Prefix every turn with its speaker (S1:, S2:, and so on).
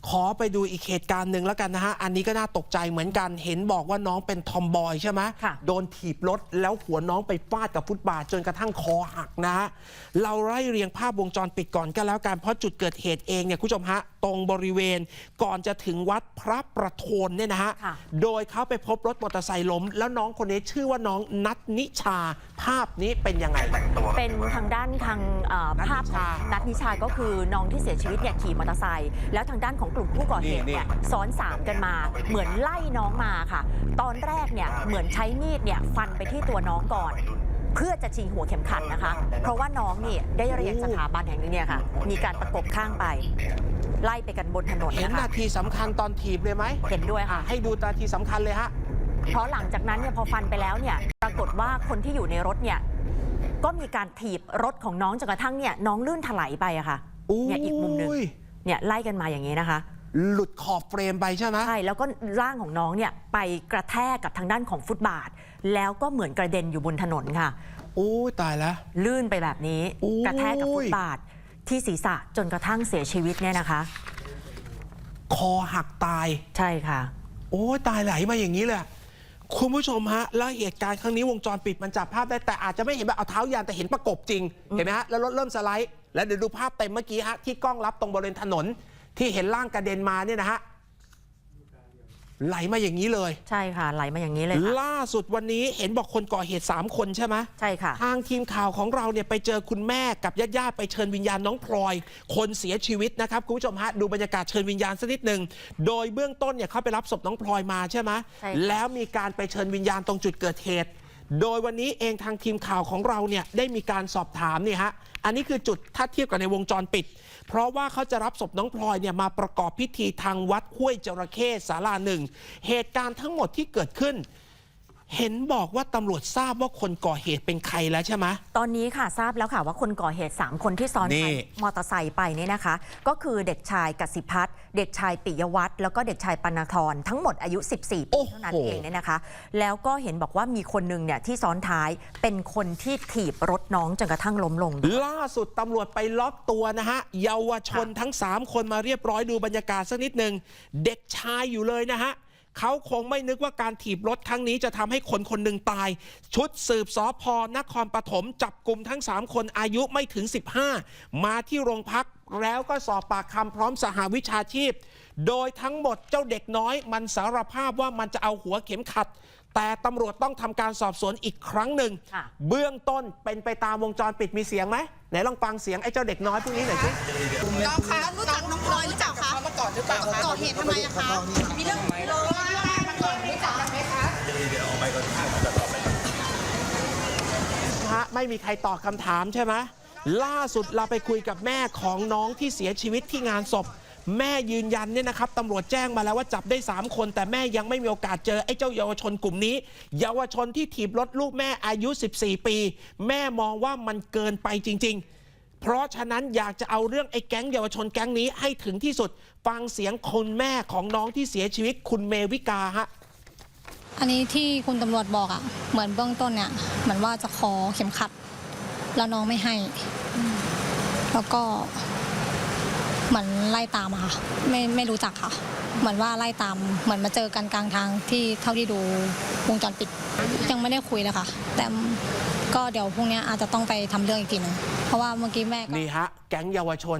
S1: ขอไปดูอีกเหตุการณ์หนึ่งแล้วกันนะฮะอันนี้ก็น่าตกใจเหมือนกันเห็นบอกว่าน้องเป็นทอมบอยใช่ไหมโดนถีบรถแล้วหัวน้องไปฟาดกับฟุตบาทจนกระทั่งคอหักนะฮะเราไล่เรียงภาพวงจรปิดก่อนก็แล้วกันเพราะจุดเกิดเหตุเองเนี่ยคุณผู้ชมฮะตรงบริเวณก่อนจะถึงวัดพระประโทนเนี่ยนะฮะโดยเขาไปพบรถมอเตอร์ไซค์ล้มแล้วน้องคนนี้ชื่อว่าน้องนัทนิชาภาพนี้เป็นยังไง
S2: เป็นทางด้านทางภาพนัทนิชาก็คือน้องที่เสียชีวิตเนี่ยขี่มอเตอร์ไซค์แล้วทางด้านของกลุ่มผู้ก่อเหตุเนี่ยซ้อน3กันมาเหมือนไล่น้องมาค่ะตอนแรกเนี่ยเหมือนใช้มีดเนี่ยฟันไปที่ตัวน้องก่อนเพื่อจะชิงหัวเข็มขัดนะคะเพราะว่าน้องนี่ได้เรียนสถาบันแห่งนี้เนี่ยค่ะมีการประกบข้างไปไล่ไปกันบนถนนนะคะเห็น
S1: นาทีสำคัญตอนถีบเลยไหม
S2: เห็นด้วยค่ะ
S1: ให้ดูนาทีสำคัญเลยฮะ
S2: เพราะหลังจากนั้นเนี่ยพอฟันไปแล้วเนี่ยปรากฏว่าคนที่อยู่ในรถเนี่ยก็มีการถีบรถของน้องจนกระทั่งเนี่ยน้องลื่นถลายไปอะค่ะเนี่ยอีกมุมหนึ่งเนี่ยไล่กันมาอย่างนี้นะคะ
S1: หลุดขอบเฟรมไปใช่ไหม
S2: ใช่แล้วก็ร่างของน้องเนี่ยไปกระแทกกับทางด้านของฟุตบาทแล้วก็เหมือนกระเด็นอยู่บนถนนค่ะ
S1: โอ้ตายแล้ว
S2: ลื่นไปแบบนี้กระแทกกับฟุตบาทที่ศีรษะจนกระทั่งเสียชีวิตเนี่ยนะคะ
S1: คอหักตาย
S2: ใช่ค่ะ
S1: โอ้ตายไหลมาอย่างนี้เลยคุณผู้ชมฮะแล้วเหตุการณ์ครั้งนี้วงจรปิดมันจับภาพได้แต่อาจจะไม่เห็นแบบเอาเท้ายันแต่เห็นประกบจริงเห็นไหมฮะแล้วรถเริ่มสไลด์แล้วเดี๋ยวดูภาพเต็มเมื่อกี้ฮะที่กล้องรับตรงบริเวณถนนที่เห็นร่างกระเด็นมาเนี่ยนะฮะไหลมาอย่างนี้เลย
S2: ใช่ค่ะไหลมาอย่างนี้เลย
S1: ล่าสุดวันนี้เห็นบอกคนก่อเหตุ3คนใช่ไหม
S2: ใช่ค่ะ
S1: ทางทีมข่าวของเราเนี่ยไปเจอคุณแม่กับญาติๆไปเชิญวิญญาณน้องพลอยคนเสียชีวิตนะครับคุณผู้ชมฮะดูบรรยากาศเชิญวิญญาณสักนิดหนึ่งโดยเบื้องต้นเนี่ยเขาไปรับศพน้องพลอยมาใช่ไหมแล้วมีการไปเชิญวิญญาณตรงจุดเกิดเหตุโดยวันนี้เองทางทีมข่าวของเราเนี่ยได้มีการสอบถามนี่ฮะอันนี้คือจุดถ้าเทียบกับในวงจรปิดเพราะว่าเขาจะรับศพน้องพลอยเนี่ยมาประกอบพิธีทางวัดห้วยจระเข้ศาลาหนึ่งเหตุการณ์ทั้งหมดที่เกิดขึ้นเห็นบอกว่าตำรวจทราบว่าคนก่อเหตุเป็นใครแล้วใช่ไหม
S2: ตอนนี้ค่ะทราบแล้วค่ะว่าคนก่อเหตุ3คนที่ซ้อนมอเตอร์ไซค์ไปเนี่ยนะคะก็คือเด็กชายกสิพัฒน์เด็กชายปิยวัฒน์แล้วก็เด็กชายปณธรทั้งหมดอายุ14ปีเท่านั้นเองเนี่ยนะคะแล้วก็เห็นบอกว่ามีคนหนึ่งเนี่ยที่ซ้อนท้ายเป็นคนที่ถีบรถน้องจนกระทั่งล้มลง
S1: ล่าสุดตำรวจไปล็อกตัวนะฮะเยาวชนทั้ง3คนมาเรียบร้อยดูบรรยากาศสักนิดหนึ่งเด็กชายอยู่เลยนะฮะเขาคงไม่นึกว่าการถีบรถครั้งนี้จะทำให้คนคนหนึ่งตายชุดสืบสภ.นครปฐมจับกลุ่มทั้ง3คนอายุไม่ถึง15มาที่โรงพักแล้วก็สอบปากคำพร้อมสหวิชาชีพโดยทั้งหมดเจ้าเด็กน้อยมันสารภาพว่ามันจะเอาหัวเข็มขัดแต่ตำรวจต้องทำการสอบสวนอีกครั้งหนึ่งเบื้องต้นเป็นไปตามวงจรปิดมีเสียงไหมไหนลองฟังเสียงไอ้เจ้าเด็กน้อยพวกนี้หน่อยสิ
S3: น้องคะรู้จักน้องพลอยหรือเปล่าคะมาก่อนหรือเปล่าก่อเหตุทำไมอะคะมีเรื่องมาก่อนรู้จักกันไหมคะเดี๋ยวออกไปก่อนจะตอบ
S1: ไปไม่มีใครตอบคำถามใช่ไหมล่าสุดเราไปคุยกับแม่ของน้องที่เสียชีวิตที่งานศพแม่ยืนยันเนี่ยนะครับตำรวจแจ้งมาแล้วว่าจับได้3คนแต่แม่ยังไม่มีโอกาสเจอไอ้เจ้าเยาวชนกลุ่มนี้เยาวชนที่ถีบรถลูกแม่อายุ14ปีแม่มองว่ามันเกินไปจริงๆเพราะฉะนั้นอยากจะเอาเรื่องไอ้แก๊งเยาวชนแก๊งนี้ให้ถึงที่สุดฟังเสียงคุณแม่ของน้องที่เสียชีวิตคุณเมวิกาฮะ
S4: อันนี้ที่คุณตำรวจบอกอะเหมือนเบื้องต้นเนี่ยเหมือนว่าจะขอเข็มขัดแล้วน้องไม่ให้แล้วก็เหมือนไล่ตามอะค่ะไม่รู้จักค่ะเหมือนว่าไล่ตามเหมือนมาเจอกันกลางทางที่เท่าที่ดูวงจรปิดยังไม่ได้คุยเลยค่ะแต่ก็เดี๋ยวพรุ่งนี้อาจจะต้องไปทำเรื่องอีกทีนึงเพราะว่าเมื่อกี้แม่
S1: นี่ฮะแก๊งเยาวชน